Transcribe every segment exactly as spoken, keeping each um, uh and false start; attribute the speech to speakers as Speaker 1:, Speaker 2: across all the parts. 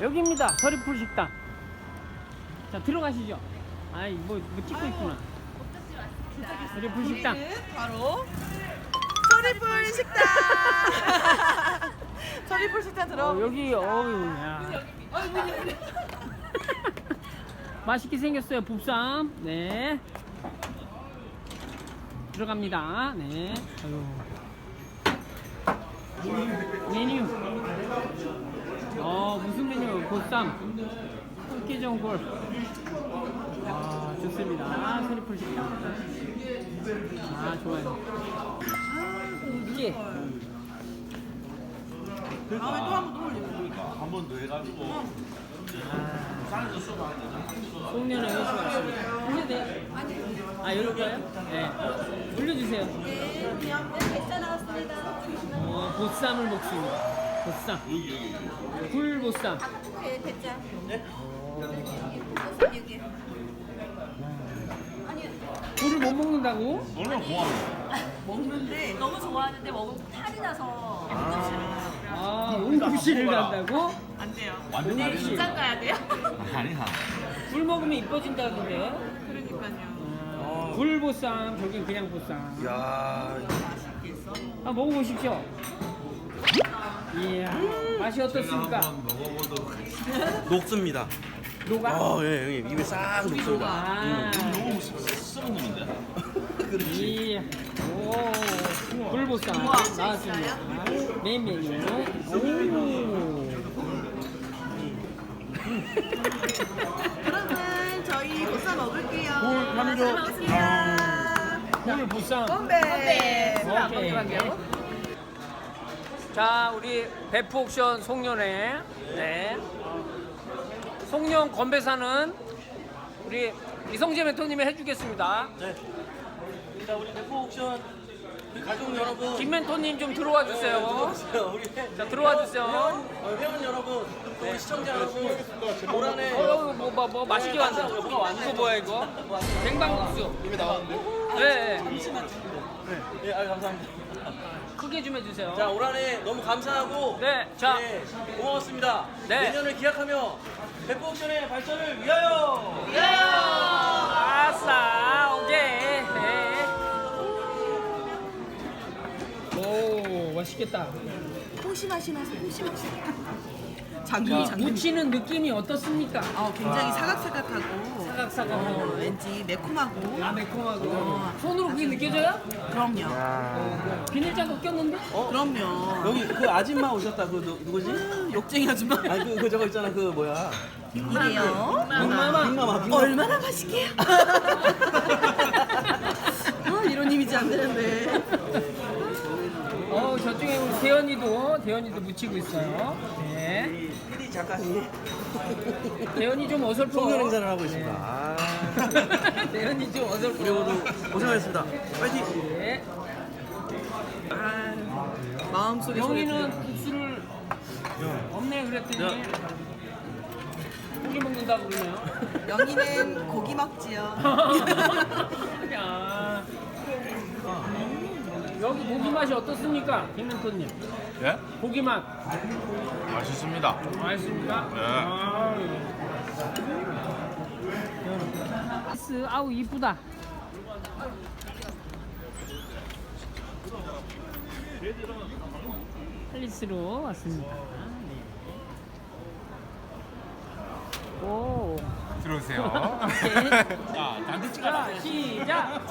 Speaker 1: 여기입니다. 서리풀 식당. 자, 들어가시죠. 아이, 뭐, 뭐 찍고 있구나. 서리풀 식당.
Speaker 2: 바로 서리풀 식당. 서리풀 식당 들어.
Speaker 1: 어, 여기, 어유, 야. 맛있게 생겼어요. 봅쌈. 네. 들어갑니다. 네. 아유. 메뉴. 어, 무슨 메뉴? 보쌈. 꽃게전골. 아, 좋습니다. 서리풀 식당. 아, 좋아요. 이게.
Speaker 2: 다음에 또 한 번 또 올리고.
Speaker 3: 한 번 더 해가지고 산에서 수박 한 잔.
Speaker 1: 송년회 회수가 있습니다. 올려도 돼요? 아, 열을 거예요? 네. 올려주세요.
Speaker 2: 네, 그냥 백자 나왔습니다.
Speaker 1: 어, 보쌈을 먹습니다. 보쌈.
Speaker 3: 여기 여기.
Speaker 1: 굴보쌈.
Speaker 2: 네, 백자.
Speaker 3: 네?
Speaker 2: 보쌈 여기. 아니,
Speaker 1: 굴을 못 먹는다고?
Speaker 3: 얼마나 고마워.
Speaker 2: 먹는데
Speaker 4: 너무 좋아하는데 먹으면 탈이 나서
Speaker 1: 아, 응급실을 간다고?
Speaker 4: 안 돼요.
Speaker 3: 완전
Speaker 4: 내일
Speaker 3: 다르네.
Speaker 4: 직장 가야 돼요.
Speaker 3: 아니야.
Speaker 1: 굴 먹으면 이뻐진다던데.
Speaker 4: 그러니까요.
Speaker 1: 어, 굴보쌈, 저긴 그냥 보쌈.
Speaker 5: 야,
Speaker 1: 아, 먹어보십시오. 이야, 맛이 어떻습니까?
Speaker 5: 먹어보도록 녹습니다.
Speaker 1: 녹아?
Speaker 5: 어, 예, 형님 입에 싹 녹습니다.
Speaker 1: 아,
Speaker 3: 너무 썩은 놈인데.
Speaker 1: 이야, 오, 굴보쌈 나왔습니다. 메인 메뉴. 오.
Speaker 2: 그러면 저희 보쌈 먹을게요.
Speaker 1: 굴 한 조.
Speaker 2: 먹습니다.
Speaker 1: 굴 보쌈.
Speaker 2: 건배.
Speaker 1: 오케이. 자, 우리 베프 옥션 송년회. 네. 송년 건배사는 우리 이성재 멘토님이 해주겠습니다.
Speaker 5: 네. 자, 우리 대포 옥션 우리 가족 여러분.
Speaker 1: 김 멘토님 좀 들어와 주세요.
Speaker 5: 들어오세요. 우리
Speaker 1: 자, 들어와 주세요.
Speaker 5: 회원, 어, 회원 여러분, 또 우리 시청자 여러분, 올 한해
Speaker 1: 어, 뭐, 뭐, 뭐 맛있게 왔네. 이거 뭐야 이거? 냉방국수.
Speaker 5: 이미 나왔는데.
Speaker 1: 네.
Speaker 5: 잠시만 찍고. 네, 네, 아, 감사합니다.
Speaker 1: 크게 좀 해주세요.
Speaker 5: 자, 올 한해 너무 감사하고.
Speaker 1: 네, 자.
Speaker 5: 네, 고마웠습니다.
Speaker 1: 네.
Speaker 5: 내년을 기약하며 대포 옥션의 발전을 위하여.
Speaker 1: 아싸, 오케이. 네. 오, 맛있겠다.
Speaker 2: 호시 맛이 나서 호시 맛이.
Speaker 1: 자,
Speaker 2: 장군이 장군.
Speaker 1: 무치는 느낌이 어떻습니까?
Speaker 2: 어, 굉장히 사각사각하고
Speaker 1: 사각사각하고.
Speaker 2: 왠지 매콤하고.
Speaker 1: 아, 매콤하고. 손으로 그게 느껴져요?
Speaker 2: 그럼요.
Speaker 1: 어, 비닐장갑 꼈는데?
Speaker 2: 그럼요.
Speaker 5: 여기 그 아줌마 오셨다. 그 누, 누구지?
Speaker 2: 욕쟁이 아줌마.
Speaker 5: 아니 그, 그 저거 있잖아. 그 뭐야?
Speaker 2: 이게요.
Speaker 1: 빅마마.
Speaker 5: 빅마마. 빅마마.
Speaker 2: 얼마나 맛있게요. 아, 이런 이미지 안 되는데.
Speaker 1: 어, 저쪽에 우리 대현이도, 대현이도 묻히고 있어요. 네.
Speaker 5: 피디 작가님
Speaker 1: 대현이 좀 어설퍼.
Speaker 5: 송년 행사를 하고 있습니다. 아.
Speaker 1: 대현이 좀 어설퍼.
Speaker 5: 우리 모두 고생하셨습니다. 파이팅!
Speaker 1: 네.
Speaker 2: 아, 마음속에
Speaker 1: 영희는 국수를 없네 그랬더니 고기 먹는다고 그러네요.
Speaker 2: 영희는 고기 먹지요.
Speaker 1: 야. 여기 고기 맛이 어떻습니까, 김멘토님?
Speaker 3: 예?
Speaker 1: 고기 맛
Speaker 3: 맛있습니다.
Speaker 1: 맛있습니까?
Speaker 3: 네.
Speaker 1: 아유. 아우 이쁘다. 팰리스로 왔습니다. 네. 오.
Speaker 3: 들어오세요.
Speaker 1: 오케이.
Speaker 3: 자, 단체 찍어.
Speaker 1: 자, 시작.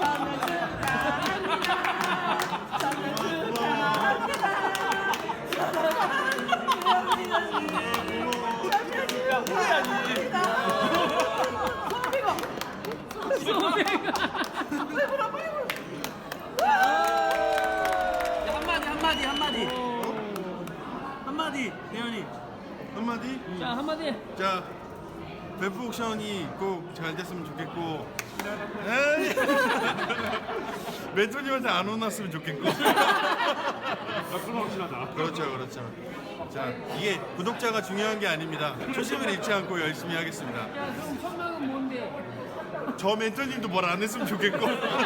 Speaker 5: 한마디 한마디 한마디 한마디 대현이.
Speaker 6: 한마디?
Speaker 1: 자, 한마디.
Speaker 6: 자, 베프 옥션이 꼭 잘 됐으면 좋겠고 에이! 멘토님한테 안 혼났으면 좋겠고 그렇죠 그렇죠. 자, 이게 구독자가 중요한 게 아닙니다. 초심을 잃지 않고 열심히 하겠습니다.
Speaker 1: 야, 그럼 설명은 뭔데?
Speaker 6: 저 멘토님도 뭘 안 했으면 좋겠고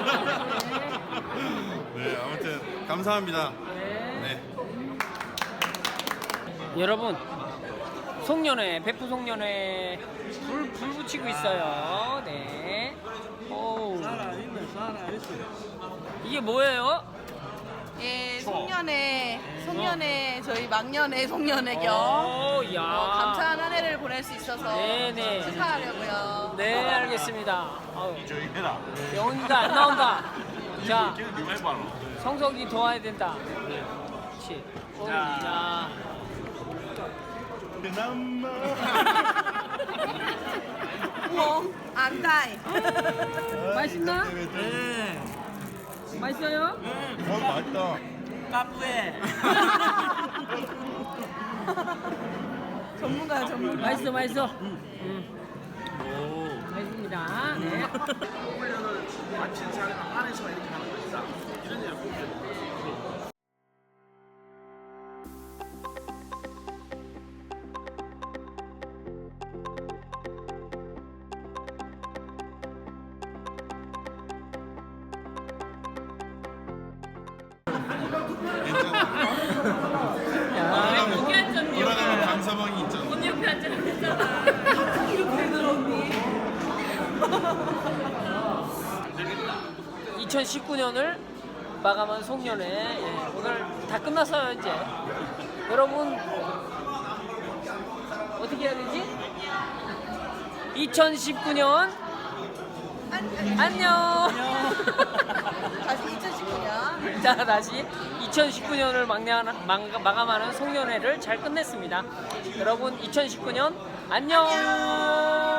Speaker 6: 네, 아무튼 감사합니다. 네.
Speaker 1: 여러분, 송년회, 베프 송년회 불, 불 붙이고 있어요. 네. 오.
Speaker 5: 살아있네, 살아있어.
Speaker 1: 이게 뭐예요?
Speaker 2: 예, 송년회, 송년회, 저희 막년회, 송년회 겸
Speaker 1: 오, 야.
Speaker 2: 어, 감사한 한 해를 보낼 수 있어서
Speaker 1: 네네.
Speaker 2: 축하하려고요.
Speaker 1: 네, 알겠습니다. 아우,
Speaker 3: 저기 해라.
Speaker 1: 영훈이가 안 나온다. 자,
Speaker 3: 걔는 누가 해봐라.
Speaker 1: 성석이 도와야 된다. 그렇지. 오, 야.
Speaker 6: 그나마
Speaker 2: 우엉, 안다이.
Speaker 1: 맛있나?
Speaker 5: 네.
Speaker 1: 맛있어요?
Speaker 6: 어 맛있다.
Speaker 5: 까뿌에.
Speaker 2: 전문가야, 전문가.
Speaker 1: 맛있어, 맛있어. 음. 맛있습니다. 네.
Speaker 3: 훈련을 마친 사람 안에서만 이렇게 하는 거 있다. 이런 일을 보면
Speaker 1: 야.
Speaker 6: 돌아가면 강서방이 있잖아.
Speaker 4: 언니 옆에 앉으면 되잖아.
Speaker 1: 이천십구 년을 마감한 송년회. 예, 오늘 다 끝났어요, 이제. 여러분, 어떻게 해야 되지? 이천십구 년 안녕.
Speaker 2: 다시 이천십구 년.
Speaker 1: 자, 다시 이천십구 년을 마감하는 송년회를 잘 끝냈습니다. 여러분, 이천십구 년 안녕.